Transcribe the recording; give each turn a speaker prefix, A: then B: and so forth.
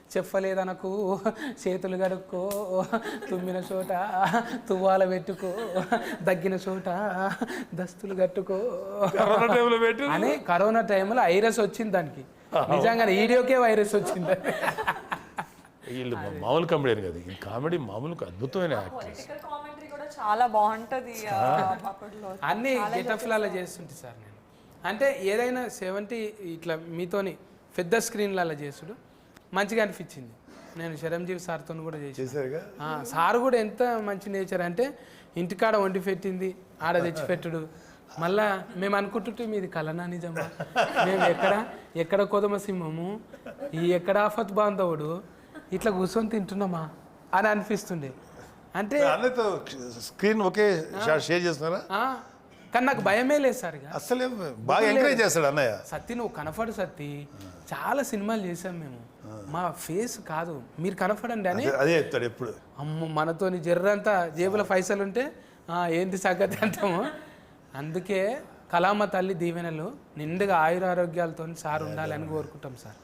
A: చెప్పలేదనకు చేతులు కడుక్కో, తుమ్మిన చోట తువ్వాల పెట్టుకో, దగ్గిన చోట దస్తులు కట్టుకో అని కరోనా టైంలో వైరస్ వచ్చింది దానికి. నిజంగా వీడియోకే వైరస్ వచ్చింది.
B: వీళ్ళు మామూలు కామెడీ కదా, ఈ కామెడీ మామూలు అద్భుతమైన యాక్టర్స్.
C: చాలా బాగుంటది.
A: అన్ని గెటఫ్లలో చేస్తుంటే సార్ నేను అంటే ఏదైనా 70 ఇట్లా మీతోని పెద్ద స్క్రీన్లలో చేసుడు మంచిగా అనిపించింది. నేను చిరంజీవి సార్తో కూడా చేశాను. సార్ కూడా ఎంత మంచి నేచర్ అంటే ఇంటికాడ వండి పెట్టింది ఆడ తెచ్చిపెట్టుడు. మళ్ళా మేము అనుకుంటుంటే మీది కలనా నిజమా, మేము ఎక్కడ కొదమ సింహము, ఈ ఎక్కడ ఆఫత్ బాంధవుడు ఇట్లా కూర్చొని తింటున్నామా అని అనిపిస్తుండే. అంటే
B: స్క్రీన్ ఒకే షేర్ చేస్తున్నారా?
A: కానీ నాకు భయమే లేదు సార్.
B: అసలే బాగా ఎంకరేజ్ చేస్తాడు అన్నయ్య.
A: సత్తి నువ్వు కనపడు సత్తి, చాలా సినిమాలు చేసాం మేము, మా ఫేస్ కాదు మీరు కనపడండి అని
B: అదే చెప్తాడు ఎప్పుడు.
A: అమ్మ మనతోని జర్రంతా జేబుల పైసలు ఉంటే ఏంది సంగతి అంటాము. అందుకే కళామ తల్లి దీవెనలు నిండుగా ఆయురారోగ్యాలతో సార్ ఉండాలని కోరుకుంటాం సార్.